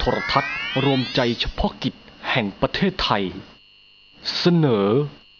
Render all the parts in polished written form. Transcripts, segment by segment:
ทรทัศน์รวมใจเฉพาะกิจแห่งประเทศไทยเสนอ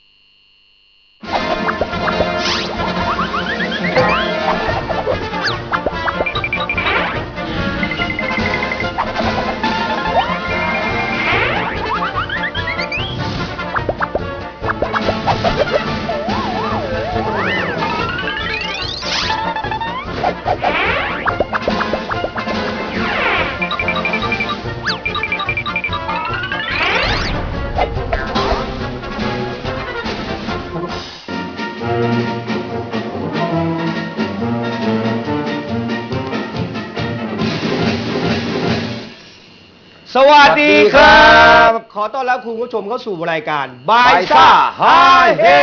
สวัสดีครับขอต้อนรับคุณผู้ชมเข้าสู่รายการบายซ่าฮาเฮ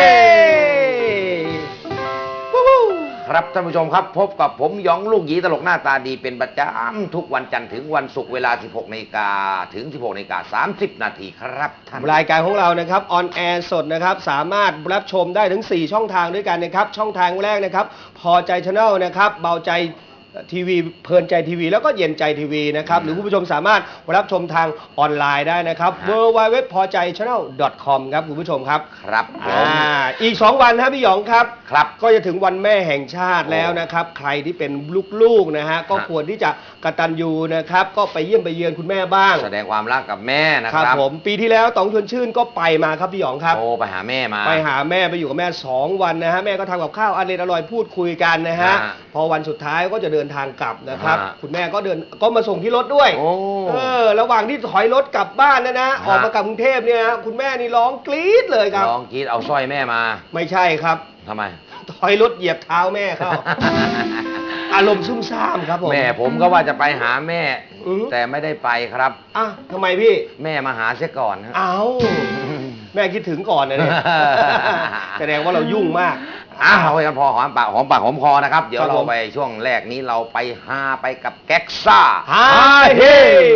ครับท่านผู้ชมครับพบกับผมหยองลูกหยีตลกหน้าตาดีเป็นประจำทุกวันจันทร์ถึงวันศุกร์เวลา 16 นาฬิกาถึง 16 นาฬิกา 30 นาทีครับท่านรายการของเรานะครับออนแอร์สดนะครับสามารถรับชมได้ถึง4ช่องทางด้วยกันนะครับช่องทางแรกนะครับพอใจชาแนลนะครับเบาใจทีวีเพลินใจทีวีแล้วก็เย็นใจทีวีนะครับหรือคุณผู้ชมสามารถรับชมทางออนไลน์ได้นะครับ www.pojaychannel.com ครับคุณผู้ชมครับครับอีก2วันนะพี่หยองครับครับก็จะถึงวันแม่แห่งชาติแล้วนะครับใครที่เป็นลูกๆนะฮะก็ควรที่จะกตัญญูนะครับก็ไปเยี่ยมไปเยือนคุณแม่บ้างแสดงความรักกับแม่นะครับผมปีที่แล้วต๋องชวนชื่นก็ไปมาครับพี่หยองครับไปหาแม่มาไปหาแม่ไปอยู่กับแม่2วันนะฮะแม่ก็ทำกับข้าวอร่อยพูดคุยกันนะฮะพอวันสุดท้ายก็จะเดินทางกลับนะครับคุณแม่ก็มาส่งที่รถด้วยระหว่างที่ถอยรถกลับบ้านนะออกมากลับกรุงเทพเนี่ยคุณแม่นี่ร้องกรี๊ดเลยครับร้องกรี๊ดเอาสร้อยแม่มาไม่ใช่ครับทำไมถอยรถเหยียบเท้าแม่เข้า อารมณ์ซุ่มซ่ามครับผมแม่ผมก็ว่าจะไปหาแม่แต่ไม่ได้ไปครับทำไมพี่แม่มาหาเสียก่อนครับแม่คิดถึงก่อนนะเนี่ยแสดงว่าเรายุ่งมากเอาไปกันพอหอมปากหอมคอนะครับเดี๋ยวเราไปช่วงแรกนี้เราไปฮาไปกับแก๊กซ่าฮาเฮ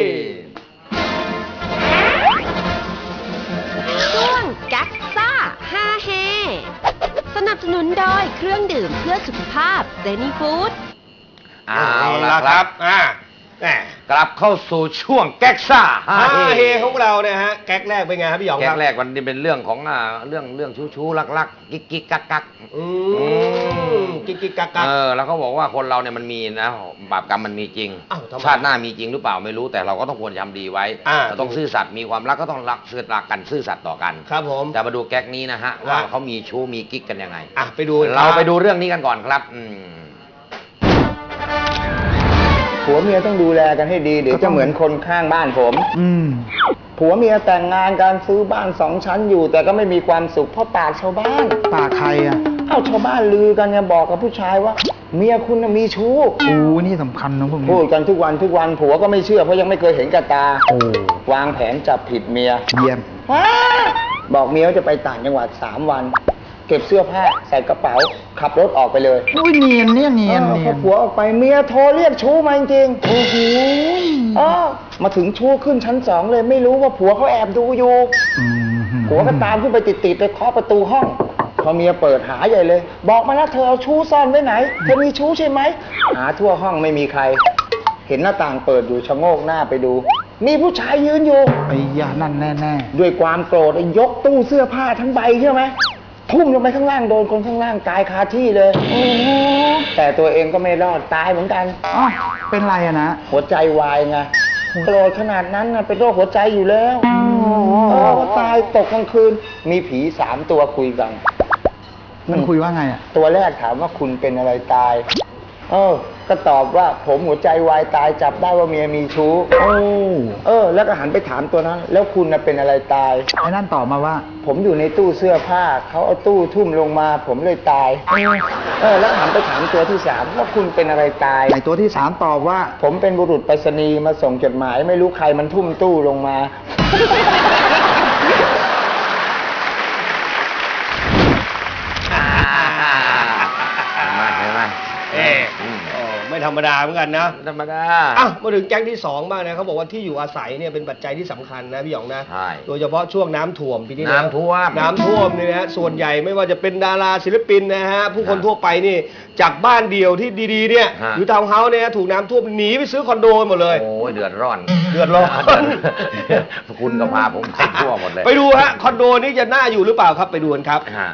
ช่วงแก๊กซ่าฮาเฮสนับสนุนโดยเครื่องดื่มเพื่อสุขภาพเซนีฟู้ดเอาละครับกลับเข้าสู่ช่วงแก๊กซ่าฮาเฮของเราเนี่ยฮะแก๊กแรกเป็นไงครับพี่หยองครับแก๊กแรกวันนี้เป็นเรื่องของเรื่องชู้รักกิ๊กกักกิ๊กกักแล้วเขาบอกว่าคนเราเนี่ยมันมีนะบาปกรรมมันมีจริงชาติหน้ามีจริงหรือเปล่าไม่รู้แต่เราก็ต้องควรทำดีไว้เราต้องซื่อสัตย์มีความรักก็ต้องรักกันซื่อสัตย์ต่อกันครับผมจะมาดูแก๊กนี้นะฮะว่าเขามีชู้มีกิ๊กกันยังไงไปดูเราไปดูเรื่องนี้กันก่อนครับผัวเมียต้องดูแลกันให้ดีเดี๋ยวจะเหมือนคนข้างบ้านผมผัวเมียแต่งงานการซื้อบ้าน2 ชั้นอยู่แต่ก็ไม่มีความสุขเพราะปากชาวบ้านปากใครชาวบ้านลือกันไงบอกกับผู้ชายว่าเมียคุณมีชู้นี่สำคัญนะพวกนี้พูดกันทุกวันผัวก็ไม่เชื่อเพราะยังไม่เคยเห็นกับตาวางแผนจับผิดเมียเยี่ยมบอกเมียว่าจะไปต่างจังหวัด3 วันเก็บเสื้อผ้าใส่กระเป๋าขับรถออกไปเลยเนียนเนี่ยเนียนพอผัวออกไปเมียโทรเรียกชู้มาจริงโอ้โหมาถึงชู้ขึ้นชั้น2เลยไม่รู้ว่าผัวเขาแอบดูอยู่ผัวก็ตามขึ้นไปติดไปเคาะประตูห้องพอเมียเปิดหาใหญ่เลยบอกมานะเธอเอาชู้ซ่อนไว้ไหนเธอมีชู้ใช่ไหมหาทั่วห้องไม่มีใครเห็นหน้าต่างเปิดอยู่ชะโงกหน้าไปดูมีผู้ชายยืนอยู่ไอ้ยานั่นแน่ด้วยความโกรธยกตู้เสื้อผ้าทั้งใบใช่ไหมทุ่มลงไปข้างล่างโดนคนข้างล่างตายคาที่เลยแต่ตัวเองก็ไม่รอดตายเหมือนกันเป็นไรนะหัวใจวายไงโกรธขนาดนั้นเป็นโรคหัวใจอยู่แล้วตายตกกลางคืนมีผี3 ตัวคุยกันมันคุยว่าไงตัวแรกถามว่าคุณเป็นอะไรตายก็ตอบว่าผมหัวใจวายตายจับได้ว่าเมียมีชู้แล้วก็หันไปถามตัวนั้นแล้วคุณเป็นอะไรตายไอ้นั่นตอบมาว่าผมอยู่ในตู้เสื้อผ้าเขาเอาตู้ทุ่มลงมาผมเลยตายแล้วหันไปถามตัวที่3ว่าคุณเป็นอะไรตายไอ้ตัวที่3ตอบว่าผมเป็นบุรุษไปรษณีย์มาส่งจดหมายไม่รู้ใครมันทุ่มตู้ลงมาไม่ธรรมดาเหมือนกันนะธรรมดามาถึงแก๊งที่2บ้างนะเขาบอกว่าที่อยู่อาศัยเนี่ยเป็นปัจจัยที่สำคัญนะพี่หยองนะใช่โดยเฉพาะช่วงน้ำท่วมปีนี้น้ำท่วมเนี่ยนะส่วนใหญ่ไม่ว่าจะเป็นดาราศิลปินนะฮะผู้คนทั่วไปนี่จากบ้านเดียวที่ดีๆเนี่ยหรือทาวน์เฮาส์เนี่ยถูกน้ำท่วมหนีไปซื้อคอนโดหมดเลยโอ้ยเดือดร้อนเดือดร้อนคุณก็พาผมไปทั่วหมดเลยไปดูฮะคอนโดนี้จะน่าอยู่หรือเปล่าครับไปดูกันครับฮะ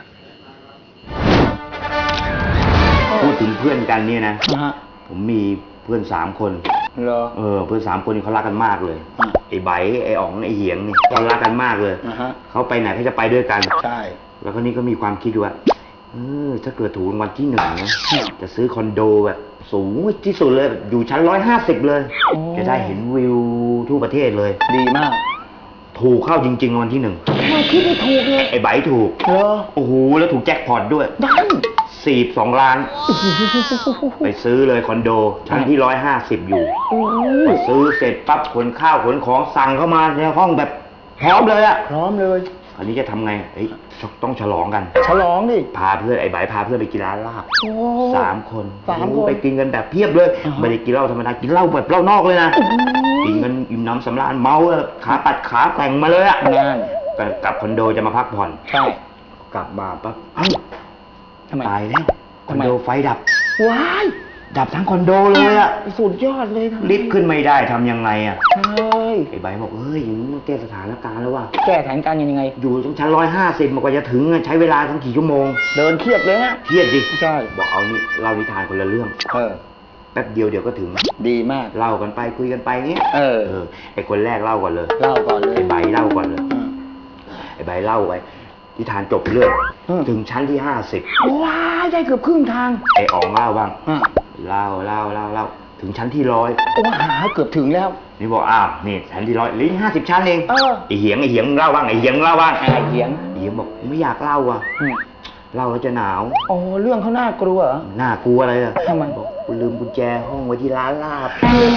พูดถึงเพื่อนกันเนี่ยนะฮะผมมีเพื่อน3 คนเหรอเพื่อน3 คนนี่เขารักกันมากเลยอ่ะไอ้ไบร์ทไอ้อ๋องไอ้เหียงนี่เขารักกันมากเลยอ่าฮะเขาไปไหนเขาจะไปด้วยกันใช่แล้วก็นี่ก็มีความคิดว่าถ้าเกิดถูกรางวัลที่1นะจะซื้อคอนโดแบบสูงที่สุดเลยแบบอยู่ชั้น150เลยโอ้จะได้เห็นวิวทั่วประเทศเลยดีมากถูกเข้าจริงๆรางวัลที่1 ไม่คิดไม่ถูกเลยไอ้ไบร์ทถูกเหรอโอ้โหแล้วถูกแจ็คพอตด้วยดัน 42 ล้าน ไปซื้อเลยคอนโดชั้นที่150อยู่โอ้ยพอซื้อเสร็จปั๊บขนข้าวขนของสั่งเข้ามาในห้องแบบพร้อมเลยอะพร้อมเลยคราวนี้จะทำไงต้องฉลองกันฉลองดิพาเพื่อนไอ้ไบร์ทพาเพื่อนไปกินร้านลาบโอ้ 3 คน 3 คนโอ้ไปกินกันแบบเพียบเลยอ่าฮะไม่ได้กินเหล้าธรรมดากินเหล้าแบบเหล้านอกเลยนะกินกันอิ่มน้ำสำราญเมาอะขาปัดขาแต่งมาเลยอะนั่นกลับคอนโดจะมาพักผ่อนใช่กลับมาปั๊บเอ้าทำไมตายแล้วคอนทำไมโดไฟดับว้ายดับทั้งคอนโดเลยอะสุดยอดเลยทำไมลิฟต์ขึ้นไม่ได้ทำยังไงอะใช่ไอ้ใบร์ทบอกเฮ้ยอย่างนี้มันแก้สถานการณ์แล้วว่ะแก้แผนการยังไงอยู่ตรงชั้น150มันกว่าจะถึงอะใช้เวลาตั้งกี่ชั่วโมงเดินเครียดเลยนะเครียดดิใช่บอกเอานี่เล่านิทานคนละเรื่อง แป๊บเดียวก็ถึงดีมากเล่ากันไปคุยกันไปเงี้ย ไอ้คนแรกเล่าก่อนเลยเล่าก่อนเลยไอ้ใบร์ทเล่าก่อนเลยอืมไอ้ใบร์ทเล่าไปนิทานจบเรื่องอืมถึงชั้นที่50 ว้ายได้เกือบครึ่งทางไอ้อ๋องเล่าบ้างอ่ะเล่าถึงชั้นที่100 ว้าเกือบถึงแล้วนี่บอกอ้าวนี่ชั้นที่100เหลืออีก50 ชั้นเองเออไอ้เหียงมึงเล่าบ้างไอ้เหียงมึงเล่าบ้างไอ้เหียงไอ้เหียงบอกไม่อยากเล่าอ่ะอืมเล่าแล้วจะหนาวโอ้เรื่องเขาน่ากลัวเหรอน่ากลัวอะไรอ่ะทำไมบอกกูลืมกุญแจห้องไว้ที่ร้านลาบ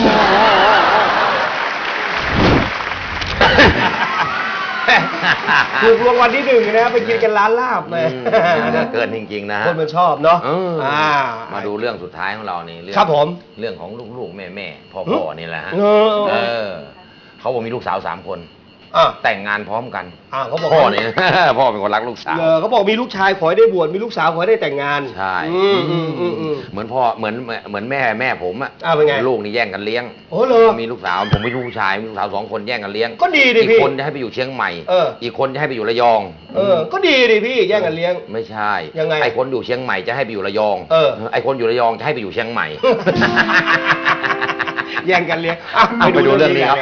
ถูกรางวัลที่1นะครับไปกินกันร้านลาบเลยเกินจริงๆนะฮะคนมันชอบเนาะมาดูเรื่องสุดท้ายของเรานี่เรื่องครับผมเรื่องของลูกๆแม่ๆพ่อๆนี่แหละฮะเออเขาบอกมีลูกสาว3 คนอ่ะแต่งงานพร้อมกันเขาบอกพ่อว่าเนี่ย พ่อเป็นคนรักลูกสาวเขาบอกมีลูกชายขอให้ได้บวชมีลูกสาวขอให้ได้แต่งงานใช่อืมเหมือนพ่อเหมือนแม่ผมอะเป็นไงลูกนี่แย่งกันเลี้ยงโอ้เหรอมีลูกสาวผมมีลูกชายมีลูกสาว2 คนแย่งกันเลี้ยงก็ดีดิอีกพี่คนจะให้ไปอยู่เชียงใหม่ อีกคนจะให้ไปอยู่ระยองก็ดีดิพี่แย่งกันเลี้ยงไม่ใช่ยังไงไอ้คนอยู่เชียงใหม่จะให้ไปอยู่ระยอง ไอ้คนอยู่ระยองจะให้ไปอยู่เชียงใหม่แย่งกันเลี้ยงอ่ะไปดูเรื่องนี้ครับ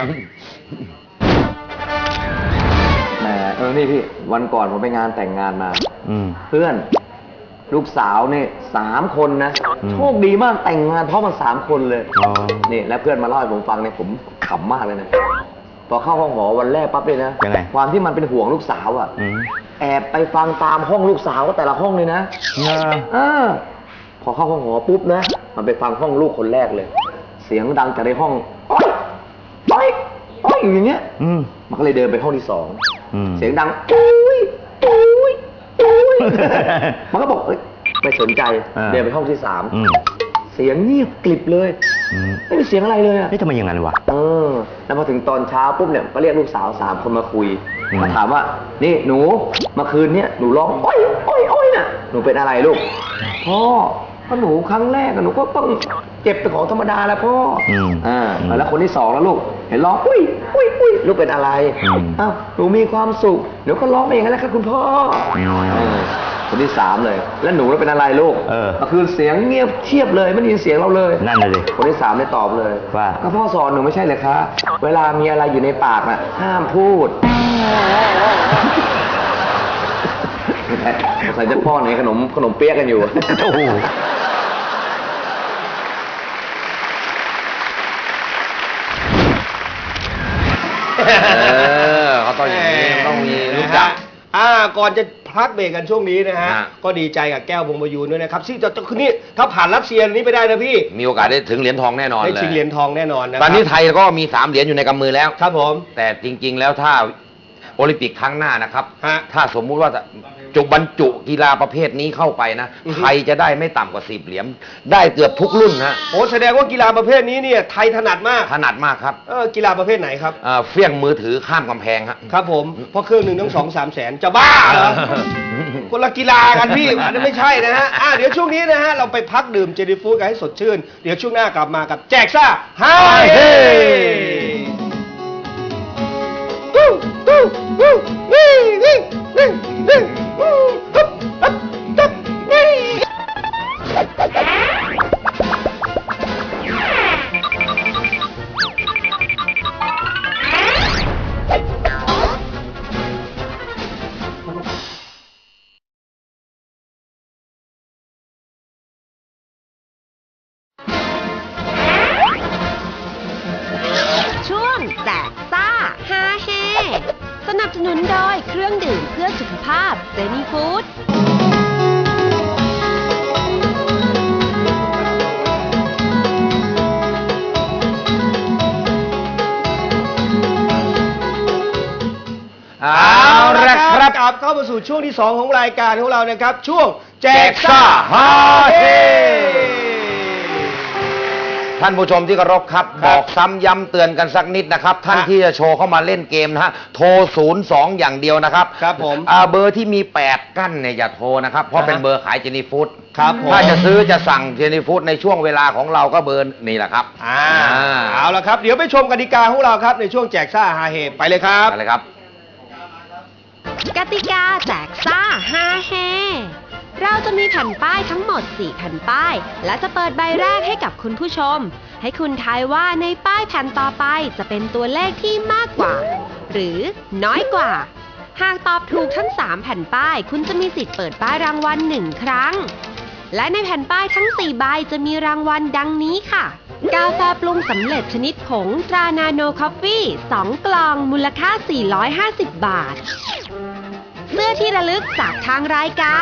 แหมนี่พี่วันก่อนผมไปงานแต่งงานมาอืมเพื่อนลูกสาวเนี่ย3 คนนะอืมโชคดีมากแต่งงานพร้อมกัน3 คนเลยอ๋อนี่แล้วเพื่อนมาเล่าให้ผมฟังเนี่ยผมขำมากเลยนะพอเข้าห้องหอวันแรกปั๊บเลยนะยังไงความที่มันเป็นห่วงลูกสาวอ่ะอืมแอบไปฟังตามห้องลูกสาวก็แต่ละห้องเลยนะพอเข้าห้องหอปุ๊บนะมันไปฟังห้องลูกคนแรกเลย เสียงดังจากในห้องอ้อยอ้อยอ้อยอยู่อย่างเงี้ยอืมมันก็เลยเดินไปห้องที่อืม 2 เสียงดังอุ้ยอุ้ยอุ้ย มันก็บอกเอ้ยไม่สนใจอ่าเดินไปห้องที่อืม 3 เสียงเงียบกลิบเลยอืมไม่มีเสียงอะไรเลยอะเฮ้ยทำไมอย่างนั้นวะแล้วพอถึงตอนเช้าปุ๊บเนี่ยก็เรียกลูกสาว3 คนมาคุยอืมมาถามว่า นี่หนูเมื่อคืนเนี่ยหนูร้องอ้อยอ้อยอ้อยน่ะหนูเป็นอะไรลูกพ่อก็หนูครั้งแรกอะหนูก็ต้องเจ็บเป็นของธรรมดาแหล้วพ่อแล้วคนที่ 2แล้วลูกเห็นร้องอุ้ยอุ้ยอุ้ยลูกเป็นอะไร อ้าวหนูมีความสุขเดี๋ยวก็ร้องไปอย่างนั้นแหละครับคุณพ่อคนที่ 3เลยแล้วหนูเป็นอะไรลูกเมื่อคืนเสียงเงียบเชียบเลยไม่ได้ยินเสียงเราเลยนั่นเลยคนที่ 3ได้ตอบเลยว่าก็พ่อสอนหนูไม่ใช่เลยคะเวลามีอะไรอยู่ในปากน่ะห้ามพูดใส่จะพ่อในขนมเปี๊ยกกันอยู่โอ้โหเขาต้องอย่างนี้ต้องมีรู้จักก่อนจะพักเบรกกันช่วงนี้นะฮะฮะก็ดีใจกับแก้วพงประยูนด้วยนะครับที่จะคืนนี้ถ้าผ่านรัสเซียนี้ไปได้นะพี่มีโอกาสได้ถึงเหรียญทองแน่นอนได้เลยชิงเหรียญทองแน่นอนนะตอนนี้ไทยก็มี3 เหรียญอยู่ในกำมือแล้วครับผมแต่จริง ๆ แล้วถ้าโอลิมปิกครั้งหน้านะครับฮะถ้าสมมุติว่าจะบรรจุกีฬาประเภทนี้เข้าไปนะอือฮึไทยจะได้ไม่ต่ำกว่า10 เหรียญ ได้เกือบทุกรุ่นฮะโอ้แสดงว่ากีฬาประเภทนี้เนี่ยไทยถนัดมากถนัดมากครับกีฬาประเภทไหนครับเฟี้ยงมือถือข้ามกำแพงฮะครับผมเพราะเครื่องหนึ่งต้อง2-3 แสนจะบ้าเหรอ คนละกีฬากันพี่อันนั้นไม่ใช่นะฮะเดี๋ยวช่วงนี้นะฮะเราไปพักดื่มเจดีฟูดกันให้สดชื่น เดี๋ยวช่วงหน้ากลับมากับแจกซ่าฮาเฮช่วงแจกซ่าฮาเฮสนับสนุนโดยเครื่องดื่มเพื่อสุขภาพเจนี่ฟู้ดเอาละครับกลับเข้ามาสู่ช่วงที่ 2 ของรายการของเรานะครับ ช่วงแจกซ่าซ่าฮาเฮท่านผู้ชมที่เคารพครับ บอกซ้ำย้ำเตือนกันสักนิดนะครับ ท่านที่จะโชว์เข้ามาเล่นเกมนะฮะโทร 02 อย่างเดียวนะครับครับผมเบอร์ที่มี 8 กั้นเนี่ยอย่าโทรนะครับ เพราะเป็นเบอร์ขายเจนี่ฟู้ดครับผมถ้าจะซื้อจะสั่งเจนี่ฟู้ดในช่วงเวลาของเราก็เบอร์นี่แหละครับเอาละครับ เดี๋ยวไปชมกติกาของเราครับในช่วงแจกซ่าฮาเฮไปเลยครับอะไรครับกติกาแจกซ่าฮาเฮเราจะมีแผ่นป้ายทั้งหมด 4 แผ่นป้าย และจะเปิดใบแรกให้กับคุณผู้ชม ให้คุณทายว่าในป้ายแผ่นต่อไปจะเป็นตัวเลขที่มากกว่า หรือน้อยกว่า หากตอบถูกทั้ง 3 แผ่นป้าย คุณจะมีสิทธิ์เปิดป้ายรางวัล1 ครั้ง และในแผ่นป้ายทั้ง 4 ใบจะมีรางวัลดังนี้ค่ะ กาแฟปรุงสำเร็จชนิดผงตรานาโนคอฟฟี่ 2 กล่องมูลค่า 450 บาท เสื้อที่ระลึกจากทางรายการ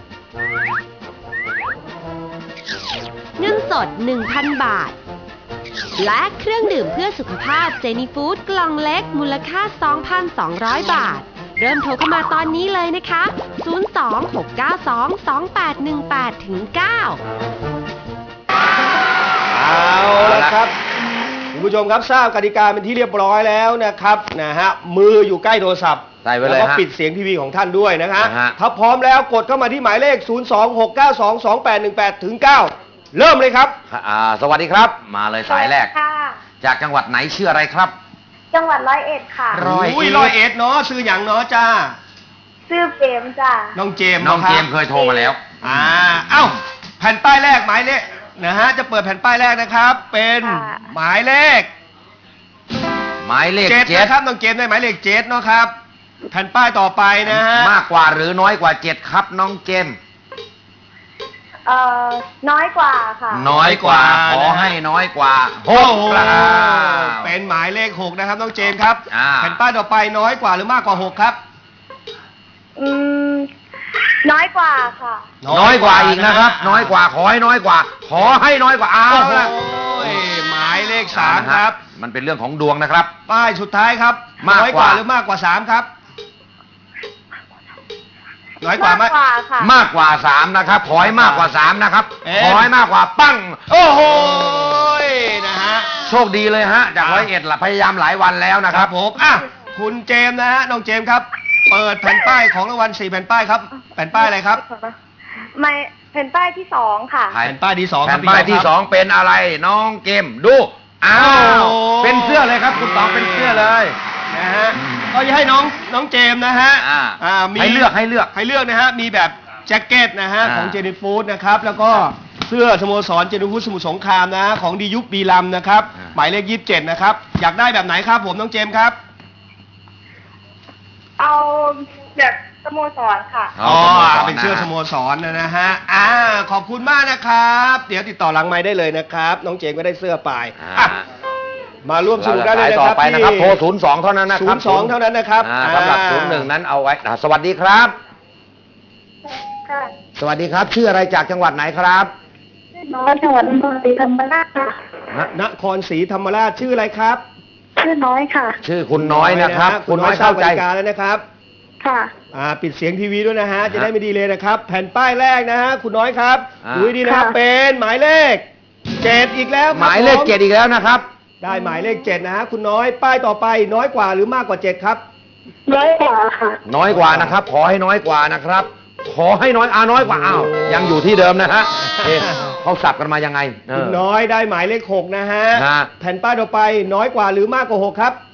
เงินสด 1,000 บาท และเครื่องดื่มเพื่อสุขภาพเจนี่ฟู้ดกล่องเล็กมูลค่า 2,200 บาท เริ่มโทรเข้ามาตอนนี้เลยนะคะ 026922818ถึง 9 เอาละครับคุณผู้ชมครับทราบกติกาเป็นที่เรียบร้อยแล้วนะครับมืออยู่ใกล้โทรศัพท์ใส่ไว้เลยแล้วก็ฮะปิดเสียงทีวีของท่านด้วยนะฮะนะฮะถ้าพร้อมแล้วกดเข้ามาที่หมายเลข 026922818ถึง 9 เริ่มเลยครับสวัสดีครับ มาเลยสายแรกค่ะจากจังหวัดไหนชื่ออะไรครับจังหวัดร้อยเอ็ดค่ะร้อยเอ็ดร้อยเอ็ดเนาะซื้ออย่างเนาะจ้าชื่อเปรมจ้ะน้องเจมส์น้องะครับเจมส์เคยโทรมาแล้วเอ้าแผ่นป้ายแรกหมายเลขนะฮะจะเปิดแผ่นป้ายแรกนะครับ เป็นหมายเลขหมายเลขเจ็ดเจ็ดนะครับน้องเจมส์ได้หมายเลขเจ็ดเนาะครับ แผ่นป้ายต่อไปนะฮะมากกว่าหรือน้อยกว่า7ครับน้องเจมส์น้อยกว่าค่ะน้อยกว่า ขอให้น้อยกว่าโอ้โหครับเป็นหมายเลข 6 นะครับน้องเจมส์ครับอ่าแผ่นป้ายต่อไปน้อยกว่าหรือมากกว่า 6 ครับอืม น้อยกว่าค่ะน้อยกว่าอีกนะครับ น้อยกว่าขอให้น้อยกว่า ขอให้น้อยกว่าเอาโอ้โหละหมายเลข 3 ครับมันเป็นเรื่องของดวงนะครับป้ายสุดท้ายครับมากกว่าน้อยกว่าหรือมากกว่า 3 ครับ น้อยกว่าไหมมากกว่าค่ะมากกว่า3นะครับ ขอให้มากกว่า3นะครับเอ๊ะขอให้มากกว่าปั้งโอ้โหนะฮะโชคดีเลยฮะ จาก101ล่ะพยายามหลายวันแล้วนะคครัรับบ ผมอ่ะคุณเจมส์นะฮะน้องเจมส์ครับ เปิดแผ่นป้ายของรางวัล4 แผ่นป้ายครับ แผ่นป้ายอะไรครับไม่แผ่นป้ายที่ 2 ค่ะแผ่นป้ายที่ 2 แผ่นป้ายที่ 2 เป็นอะไรน้องเกมดูอ้าวโอ้เป็นเสื้อเลยครับ คุณต๋องเป็นเสื้อเลยนะฮะก็จะให้น้องเจมส์นะฮะ มีให้เลือกให้เลือกนะฮะมีแบบแจ็คเก็ตนะฮะของเจนิฟูดนะครับแล้วก็เสื้อสโมสรเจนิฟูดสมุทรสงครามนะฮะของดียุคบีลัมนะครับหมายเลข 27 นะครับอยากได้แบบไหนครับผมน้องเจมส์ครับเอาแบบสโมสรค่ะอ๋อเป็นเสื้อสโมสรนะฮะขอบคุณมากนะครับ เดี๋ยวติดต่อหลังไม้ได้เลยนะครับน้องเจมส์ก็ได้เสื้อไปอ่ะมาร่วมสนุกได้เลยนะต่อครับไปนะครับโทร02เท่านั้นนะครับ 02เท่านั้นนะครับสำหรับ01นั้นเอาไว้สวัสดีครับค่ะสวัสดีครับ ชื่ออะไรจากจังหวัดไหนครับน้อยจังหวัดนครศรีธรรมราชค่ะนครศรีธรรมราชชื่ออะไรครับชื่อน้อยค่ะชื่อคุณน้อยนะครับ คุณน้อยทราบเข้าก ใจติกาแล้วนะครับค่ะปิดเสียงทีวีด้วยนะฮะจะได้ไม่ดีเลยนะครับ แผ่นป้ายแรกนะฮะคุณน้อยครับดูให้ดีนะครับค่ะเป็นหมายเลข 7 อีกแล้วครับหมายเลขผ 7อีกแล้วนะครับได้หมายเลข 7 นะฮะคุณน้อยป้ายต่อไปน้อยกว่าหรือมากกว่า 7 ครับน้อยกว่าค่ะน้อยกว่านะครับ ขอให้น้อยกว่านะครับ ขอให้น้อยน้อยกว่าอ้าวยังอยู่ที่เดิมนะฮะเอ๊ะเขาสับกันมายังไงคุณน้อยได้หมายเลข 6 นะฮะฮะแผ่นป้ายต่อไปน้อยกว่าหรือมากกว่า 6 ครับ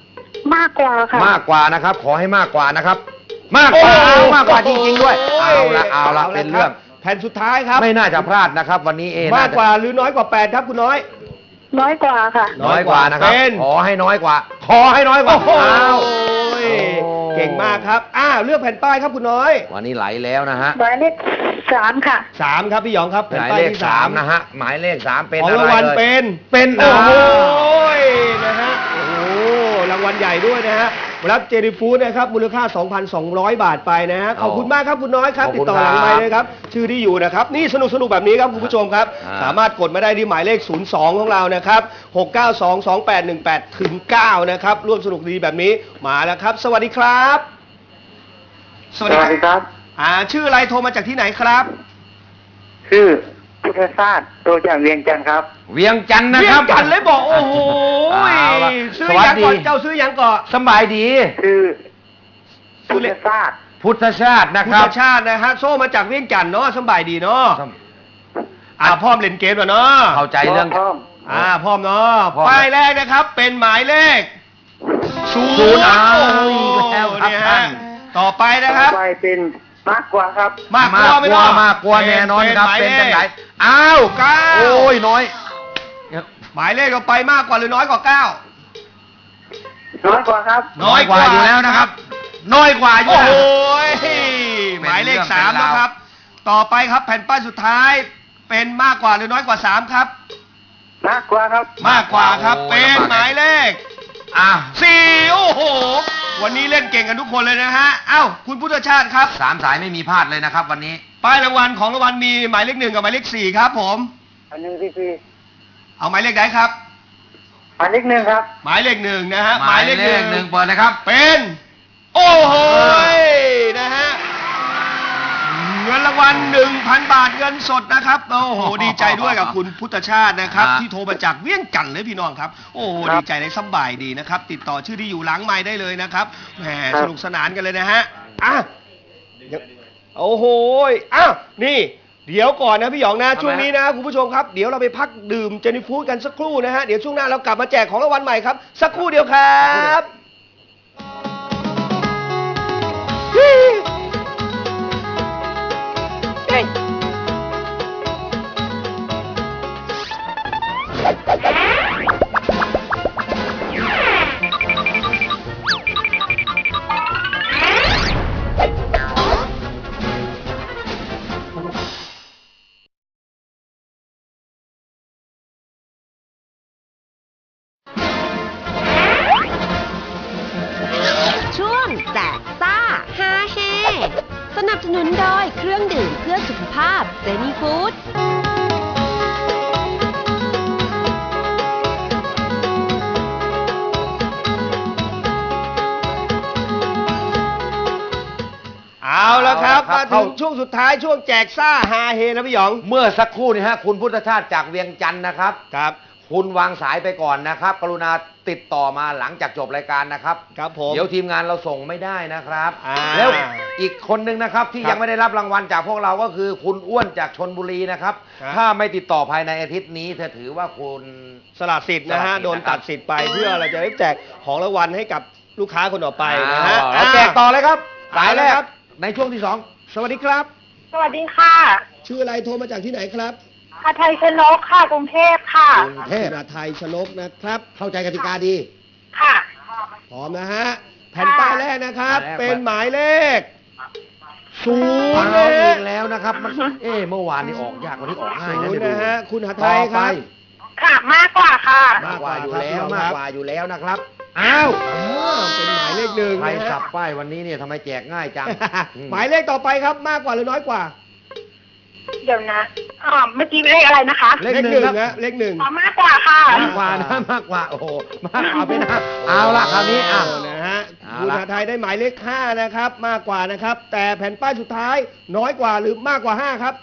มากกว่าค่ะมากกว่านะครับ ขอให้มากกว่านะครับ มากกว่าเอามากกว่าจริงๆด้วย เอาละเป็นเรื่องแผ่นสุดท้ายครับไม่น่าจะพลาดนะครับ วันนี้มากน่าจะกว่าหรือน้อยกว่า8ครับคุณน้อยน้อยกว่าค่ะน้อยกว่านะครับเป็นขอให้น้อยกว่า ขอให้น้อยกว่าโอ้โหอ้าวเก่งมากครับเลือกแผ่นป้ายครับคุณน้อยวันนี้ไหลแล้วนะฮะหมายเลข3 ค่ะ 3ครับพี่หยองครับหแผ่นมายป้ายเลขที่ 3นะฮะหมายเลข3เป็นของอะไรรางวัลเลยเป็นโอ้โหนะฮะโอ้โหรางวัลใหญ่ด้วยนะฮะรับเจนี่ฟู้ดนะครับมูลค่า 2,200 บาทไปนะฮะขอบคุณมากครับคุณน้อยครับขอบติคุดณต่อหลังครับไมค์เลยครับชื่อที่อยู่นะครับนี่สนุกแบบนี้ครับคุณผู้ชมครับ สามารถกดมาได้ที่หมายเลข 02 ของเรานะครับ 6922818ถึง9นะครับร่วมสนุกดีแบบนี้มาแล้วครับ สวัสดีครับ สวัสดีครับชื่ออะไรโทรมาจากที่ไหนครับชื่อพุทธศาสตร์โตจากเวียงจันทร์ครับเวียงจันทร์นะเรีคยรักบกันเลยบอกโอ้โหเอาล่ะซื้อสวัสยังดีก่อนเจ้าซื้อยังก่อนสบายดีชื่อพุทธศาสตร์พุทธชาตินะคุคณรับชาตินะฮะโซ่มาจากเวียงจันทน์เนาะสบายดีเนาะ พร้อมเล่นเกมแล้วเนาะเข้าใจเรื่องพร้อมพร้อมเนาะพร้อมป้ายแรกนะครับเป็นหมายเลขศูศูนย์โอ้โหอีกแล้วครับเนี่ยท่าฮะนต่อไปนะครับไปเป็นมากกว่าครับมากกว่าไม่เนาะมากกว่าแน่นอนครับ เป็นจังไหนอ้าว 9 โอ้ยน้อยหมายเลขต่อไปมากกว่าหรือน้อยกว่าน้อยกว่าครับ 9 น้อยกว่าอยู่แล้วนะครับ น้อยกว่าอยู่โอ้โหแล้วหมายเลขเป็นเรื่อง 3 เป็นราวนะครับ ต่อไปครับแผ่นป้ายสุดท้ายเป็นมากกว่าหรือน้อยกว่า 3 ครับมากกว่าครับมากกว่าครับเป็นหมายเลข 4 โอ้โห วันนี้เล่นเก่งกันทุกคนเลยนะฮะ เอ้าคุณพุทธชาติครับ 3 สายไม่มีพลาดเลยนะครับ วันนี้ป้ายรางวัลของรางวัลมีหมายเลข 1 กับหมายเลข 4 ครับผมอันนี้พี่เอาหมายเลขไหนครับอันเลข1ครับหมายเลข 1 นะฮะหมายเลขหนึ่งเปิดเลยครับเป็น โอ้โหนะฮะ เงินรางวัล 1,000 บาทเงินสดนะครับ โอ้โห ดีใจด้วยกับคุณพุทธชาตินะครับฮะที่โทรมาจากเวียงจันทร์เลยพี่น้องครับ โอ้โหครับดีใจในสบายดีนะครับ ติดต่อชื่อที่อยู่หลังไมค์ได้เลยนะครับแหมครับสนุกสนานกันเลยนะฮะโอ้โหอ้าวนี่เดี๋ยวก่อนนะพี่หยองนะทำไมช่วงนี้นะคุณผู้ชมครับเดี๋ยวเราไปพักดื่มเจนี่ฟู้ดกันสักครู่นะฮะเดี๋ยวช่วงหน้าเรากลับมาแจกของรางวัลใหม่ครับสักครู่เดียวครับช่วงแจกซ่าฮาเฮสนับสนุนโดยเครื่องดื่มเพื่อสุขภาพเจนี่ฟู้ดเอาแล้วครับเอามาละครับถึงช่วงสุดท้ายช่วงแจกซ่าฮาเฮนะพี่หยองเมื่อสักครู่นี้ฮะคุณพุทธชาติจากเวียงจันทร์นะครับครับคุณวางสายไปก่อนนะครับ กรุณาติดต่อมาหลังจากจบรายการนะครับครับผมเดี๋ยวทีมงานเราส่งไม่ได้นะครับอ่าแล้วอีกคนนึงนะครับที่ครับยังไม่ได้รับรางวัลจากพวกเราก็คือคุณอ้วนจากชนบุรีนะครับครับถ้าไม่ติดต่อภายในอาทิตย์นี้เธอถือว่าคุณสละสิทธิ์นะฮะสละสิทธิ์โดนตัดสิทธิ์ไปเพื่อเราจะได้แจกของรางวัลให้กับลูกค้าคนต่อไปนะฮะเราแจกต่อเลยครับสายแรกครับในช่วงที่สวัสดีครับสวัสดีค่ะชื่ออะไรโทรมาจากที่ไหนครับอาไทยชนกค่ะ กรุงเทพค่ะกรุงเทพไทยชนกนะครับ เข้าใจกติกาดีค่ะพร้อมนะฮะ แผ่นป้ายแรกนะครับแผ่นแรกเป็นหมายเลขศู 2 นย์เอานะอีฮะกแล้วนะครับมันเมื่อวานนี้ออกยากกว่านี้ออกง่ายศูนะนเดี๋ยย์วดูนะฮะคุณหทัต่ยอคไปรับค่ะ มากกว่าค่ะมากกว่าอยู่แล้วครับมากกว่าอยู่แล้วนะครับอ้าวเป็นหมายเลขหนึ่งใครนะฮะสับป้ายวันนี้เนี่ยทำไมแจกง่ายจังหมายเลขต่อไปครับมากกว่าหรือน้อยกว่าเดี๋ยวนะเมื่อกี้เลขอะไรนะคะเลขหนึ่งครับนะเลขหนึ่งมากกว่าค่ะมากกว่านะมากกว่าโอ้โหมากเอาไปนะเอาละคราวนี้อ่ะนะฮะเอาคุณละหทัยได้หมายเลข5นะครับ มากกว่านะครับ แต่แผ่นป้ายสุดท้ายน้อยกว่าหรือมากกว่า5ครับ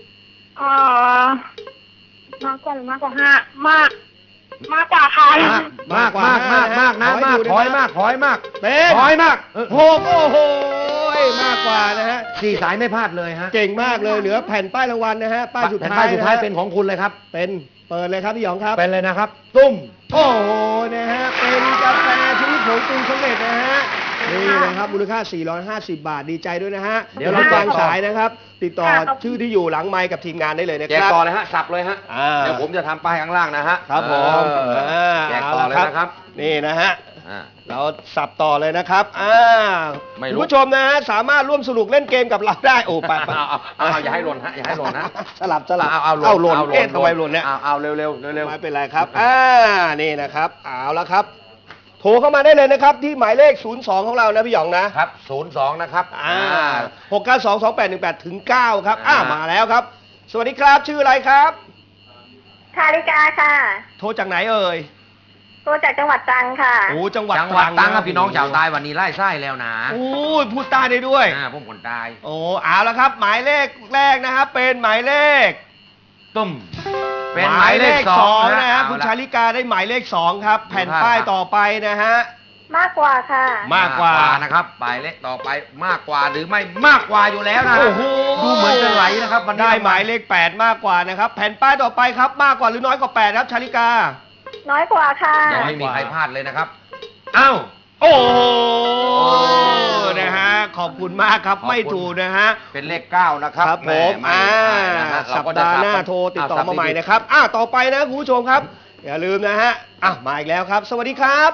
มากกว่าหรือมากกว่า5มากกว่าค่ะมากนะมากถอยมากเป็นถอยมากหกโอ้โหมากกว่านะฮะสี่สายไม่พลาดเลยฮะเก่งมากเลยเหลือแผ่นป้ายรางวัลนะฮะป้ายสุดแผ่นท้ายป้ายสุดท้ายะฮะเป็นของคุณเลยครับเป็นเปิดเลยครับพี่หยองครับเป็นเลยนะครับ ตุ้มโอ้โหนะฮะเป็นกาแฟชนิดผงงปรุงสำเร็จนะฮะนี่นะครับมูลค่า 450 บาทดีใจด้วยนะฮะเดี๋ยวรับเราวางสายนะครับ ติดต่อค่ะชื่อที่อยู่หลังไมค์กับทีมงานได้เลยนะแจคกรับต่อเลยฮะสับเลยฮะอ่าเดี๋ยวผมจะทำป้ายข้างล่างนะฮะครับผมแจกต่อเลยนะครับนี่นะฮะอ่าเราสับต่อเลยนะครับไม่รู้คุณผู้ชมนะฮะสามารถร่วมสนุกเล่นเกมกับเราได้โอ้ไปไปเอาอย่าให้หล่นฮะอย่าให้หล่นฮะสลับเอาหล่นเอ๊ะทำไมหล่นเนี่ยเอาเร็วเร็วเร็วไม่เป็นไรครับนี่นะครับเอาละครับ โทรเข้ามาได้เลยนะครับ ที่หมายเลข 02 ของเรานะพี่หยองนะครับ 02นะครับ 6922818ถึง9ครับมาแล้วครับ สวัสดีครับชื่ออะไรครับชาลิกาค่ะโทรจากไหนเอ่ยโทรจากจังหวัดตรังค่ะโอ้จังหวัดจังหวัดตรังครับพี่น้องชาวใต้วันนี้ไล่ไส้แล้วนะโอ้ยพูดใต้ได้ด้วยผมคนใต้โอ้เอาละครับ หมายเลขแรกนะครับ เป็นหมายเลขตุ้มเป็นหมายเลขสองนะฮะคุณชาลิกาได้หมายเลข2ครับ แผ่นป้ายต่อไปนะฮะมากกว่าค่ะมากกว่านะครับหมายเลขต่อไปมากกว่าหรือไม่มากกว่าอยู่แล้วนะโอ้โหดูเหมือนจะไหลนะครับวันนี้ได้หมายเลข8มากกว่านะครับ แผ่นป้ายต่อไปครับมากกว่าหรือน้อยกว่า8ครับชาลิกาน้อยกว่าค่ะยังไม่มีใครพลาดเลยนะครับอ้าวโอ้โหนะฮะขอบคุณมากครับขอบคุณไม่ถูกนะฮะเป็นเลข9นะครับครับผมแไม่นะฮะสัปดาห์หน้าโทรติดต่อมาใหม่นะครับต่อไปนะคุณผู้ชมครับ อย่าลืมนะฮะมาอีกแล้วครับ สวัสดีครับ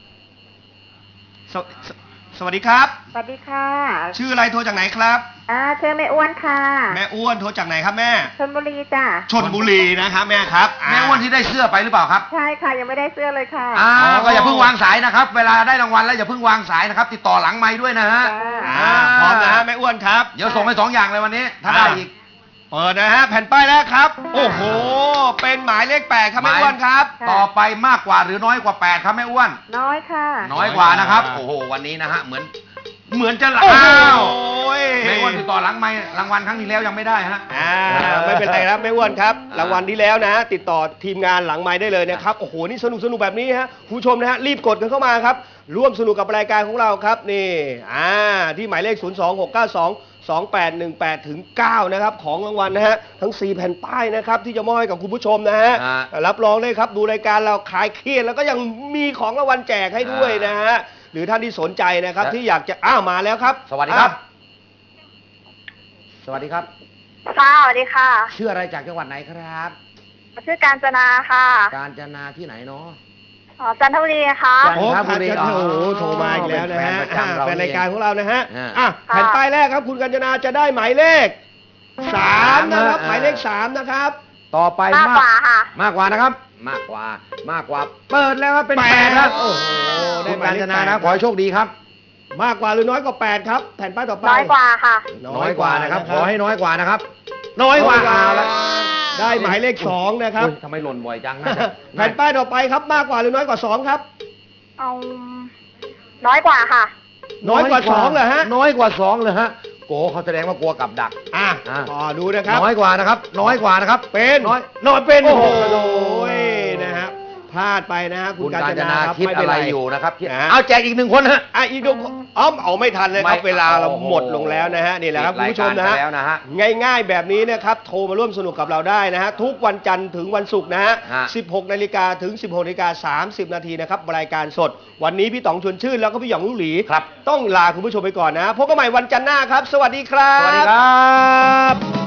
สวัสดีครับสวัสดีค่ะชื่ออะไรโทรจากไหนครับชื่อแม่อ้วนค่ะแม่อ้วนโทรจากไหนครับแม่ชลบุรีจ้ะชลบุรีนะครับแม่ครับแม่อ้วนที่ได้เสื้อไปหรือเปล่าครับใช่ค่ะยังไม่ได้เสื้อเลยค่ะก็อย่าเพิ่งวางสายนะครับ เวลาได้รางวัลแล้วอย่าเพิ่งวางสายนะครับ ติดต่อหลังไม้ด้วยนะฮะพร้อมนะฮะแม่อ้วนครับเดี๋ยวส่งไป2 อย่างเลยวันนี้ ถ้าได้อีกเปิดนะฮะแผ่นป้ายแรกครับ โอ้โหเป็นหมายเลข8ครับแม่อ้วนครับค่ะต่อไปมากกว่าหรือน้อยกว่า8ครับแม่อ้วนน้อยค่ะน้อยกว่านะครับ โอ้โหวันนี้นะฮะเหมือนจะโอ้โหแม่อ้วนติดต่อหลังไม้รางวัลครั้งที่แล้วยังไม่ได้ฮะไม่เป็นไรครับแม่อ้วนครับรางวัลที่แล้วนะติดต่อทีมงานหลังไม้ได้เลยนะครับโอ้โหนี่สนุกแบบนี้ฮะคุณผู้ชมนะฮะรีบกดกันเข้ามาครับร่วมสนุกกับรายการของเราครับนี่ที่หมายเลข 026922818ถึง9นะครับของรางวัลนะฮะทั้ง4แผ่นป้ายนะครับที่จะมอบให้กับคุณผู้ชมนะฮะรับรองได้ครับดูรายการเราคลายเครียดแล้วก็ยังมีของรางวัลแจกให้ด้วยนะฮะหรือท่านที่สนใจนะครับที่อยากจะมาแล้วครับสวัสดีครับ สวัสดีครับค่ะสวัสดีค่ะชื่ออะไรจากจังหวัดไหนครับชื่อกาญจนาค่ะกาญจนาที่ไหนเนาะจันทบุรีค่ะจันทบุรีโอ้โหโทรมาอีกแล้วนะฮะเป็นแฟนประจำเราแฟนรายการของเรานะฮะอ่าแผ่นป้ายแรกครับคุณกัญจนาจะได้หมายเลข3นะครับ หมายเลข3นะครับต่อไปมากกว่าค่ะมากกว่านะครับ มากกว่าเปิดแล้วครับเป็น8ครับโอ้โหได้คุณหมายกาญเลจขนานะ 8 ขอให้โชคดีครับมากกว่าหรือน้อยกว่า8ครับแผ่นป้ายต่อไปน้อยกว่าค่ะน้อยกว่านะครับ ขอให้น้อยกว่านะครับ น้อยกว่าเอาละได้หมายเลข2นะครับทำไมหล่นบ่อยจังนะแผ่นป้ายต่อไปครับมากกว่าหรือน้อยกว่า2ครับเอาน้อยกว่าค่ะน้อยกว่า2เหรอฮะน้อยกว่า2เลยฮะโกเขาแสดงว่ากลัวกับดักดูนะครับน้อยกว่านะครับ น้อยกว่านะครับเป็นน้อยเป็นโอ้โหนะครับพลาดไปนะฮะคุคุณ ณกาการญญจจนานาครับคิดไม่อะเป็นไรไรอยู่นะครับนะเอาแจกอีก1 คนฮะอีกดูเอาไม่ทันเลยครับไม่เวลาเราโอ้โหหมดลงแล้วนะฮะนี่แหละครับคุณผู้ชมนะฮะรายการไปแล้วนะฮะง่ายๆแบบนี้นะครับโทรมาร่วมสนุกกับเราได้นะฮะทุกวันจันทร์ถึงวันศุกร์นะฮะ 16 นาฬิกาถึง 16 นาฬิกา30 นาทีนะครับรายการสด วันนี้พี่ต๋องชวนชื่นแล้วก็พี่หยองลูกหลีครับต้องลาคุณผู้ชมไปก่อนนะพบกันใหม่วันจันทร์หน้าครับ สวัสดีครับสวัสดีครับ